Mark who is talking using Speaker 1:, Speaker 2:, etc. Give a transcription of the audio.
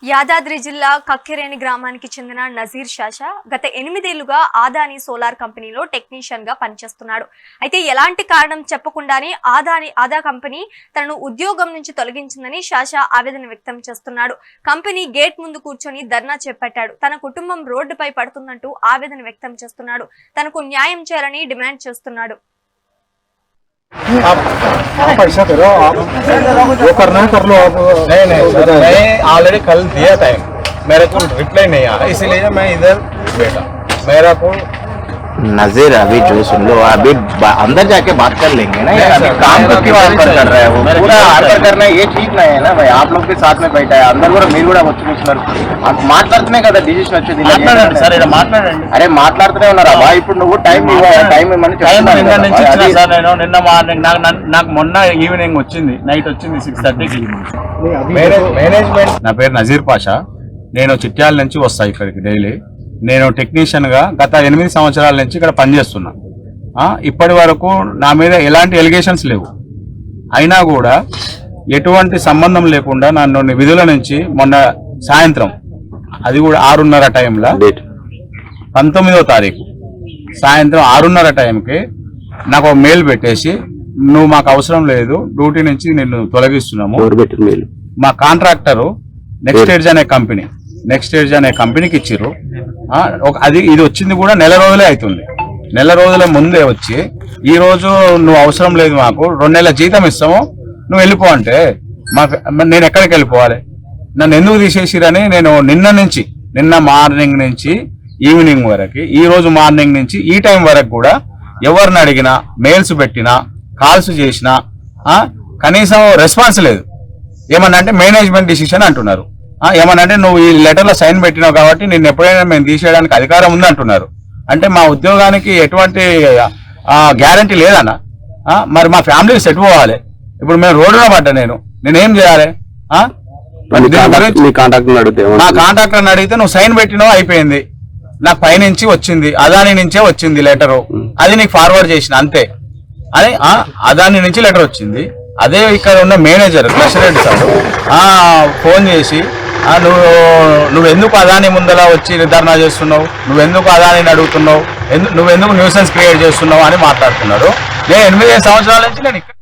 Speaker 1: యాదాద్రి జిల్లా కక్కిరేణి గ్రామానికి చెందిన నజీర్ షాషా గత 8 ఏళ్లుగా ఆదాని సోలార్ కంపెనీలో టెక్నీషియన్ గా పనిచేస్తున్నాడు. అయితే ఎలాంటి కారణం చెప్పకుండానే ఆదా కంపెనీ తనను ఉద్యోగం నుంచి తొలగించిందని షాషా ఆవేదన వ్యక్తం చేస్తున్నాడు. కంపెనీ గేట్ ముందు కూర్చొని ధర్నా చేపట్టాడు. తన కుటుంబం రోడ్డుపై పడుతుందంటూ ఆవేదన వ్యక్తం చేస్తున్నాడు. తనకు న్యాయం చేయాలని డిమాండ్ చేస్తున్నాడు.
Speaker 2: आप ऐसा करो, आप जो करना है कर लो। आप
Speaker 3: नहीं सर, मैं ऑलरेडी कल दिया था, मेरे को रिप्लाई नहीं आया, इसीलिए मैं इधर बैठा। मेरा को
Speaker 4: नजीर अभी जो सुन लो, अभी अंदर जाके बात कर लेंगे ना यार। अभी काम को क्यों आंसर कर रहा है वो? पूरा आंसर करना ये ठीक नहीं है ना भाई। आप लोग के साथ में बैठा है अंदर కూడా మీరు కూడా వచ్చి కూర్చున్నారు. మాట్లాడుతునే కదా డిసిషన్ వచ్చేది. మాట్లాడండి సార్, ఇలా మాట్లాడండి. అరే మాట్లాడుతూనే ఉన్నారా బా? ఇప్పుడు నువ్వు టైం ఇవ్వమని చెప్తున్నా
Speaker 3: సార్. నేను నిన్న మార్నింగ్ నాకు మొన్న ఈవినింగ్ వచ్చింది, నైట్ వచ్చింది 6:30కి మేనేజ్మెంట్. నా పేరు నజీర్ పాషా. నేను చిట్యాల నుంచి వస్తా ఇక్కడికి డైలీ. నేను టెక్నీషియన్గా గత 8 సంవత్సరాల నుంచి ఇక్కడ పనిచేస్తున్నా. ఇప్పటి వరకు నా మీద ఎలాంటి ఎలిగేషన్స్ లేవు. అయినా కూడా ఎటువంటి సంబంధం లేకుండా నన్ను విధుల నుంచి మొన్న సాయంత్రం, అది కూడా 6:30 టైంలో, 19వ తారీఖు సాయంత్రం 6:30 టైంకి నాకు ఒక మెయిల్ పెట్టేసి, నువ్వు మాకు అవసరం లేదు, డ్యూటీ నుంచి నిన్ను తొలగిస్తున్నాము. మా కాంట్రాక్టరు నెక్స్ట్ స్టేజ్ అనే కంపెనీకి ఇచ్చిర్రు. ఇది వచ్చింది కూడా నెల రోజులే అవుతుంది. నెల రోజుల ముందే వచ్చి ఈ రోజు నువ్వు అవసరం లేదు, మాకు 2 నెలల జీతం ఇస్తాము, నువ్వు వెళ్ళిపో అంటే నేను ఎక్కడికి వెళ్ళిపోవాలి? నన్ను ఎందుకు తీసేసిరని నేను నిన్న మార్నింగ్ నుంచి ఈవినింగ్ వరకు, ఈ రోజు మార్నింగ్ నుంచి ఈ టైం వరకు కూడా ఎవరిని అడిగినా, మెయిల్స్ పెట్టినా, కాల్స్ చేసినా కనీసం రెస్పాన్స్ లేదు. ఏమన్నా అంటే మేనేజ్మెంట్ డిసిషన్ అంటున్నారు. ఏమనంటే నువ్వు ఈ లెటర్లో సైన్ పెట్టినావు కాబట్టి నిన్ను ఎప్పుడైనా మేము తీసేయడానికి అధికారం ఉంది అంటున్నారు. అంటే మా ఉద్యోగానికి ఎటువంటి గ్యారంటీ లేదన్న. మరి మా ఫ్యామిలీకి సెట్ పోవాలి. ఇప్పుడు మేము రోడ్డున పడ్డా, నేనేం చేయాలి? నా కాంట్రాక్టర్ని అడిగితే నువ్వు సైన్ పెట్టినావు, అయిపోయింది. నాకు పైనుంచి వచ్చింది, అదాని నుంచే వచ్చింది లెటరు, అది నీకు ఫార్వర్డ్ చేసిన అంతే. అని అదాని నుంచి లెటర్ వచ్చింది. అదే ఇక్కడ ఉన్న మేనేజర్ కృష్ణరెడ్డి సార్ ఫోన్ చేసి, నువ్వెందుకు అదాని ముందర వచ్చి నిర్ధారణ చేస్తున్నావు, నువ్వెందుకు అదానిని అడుగుతున్నావు, నువ్వెందుకు న్యూసెన్స్ క్రియేట్ చేస్తున్నావు అని మాట్లాడుతున్నాడు. నేను 8 సంవత్సరాల నుంచి నేను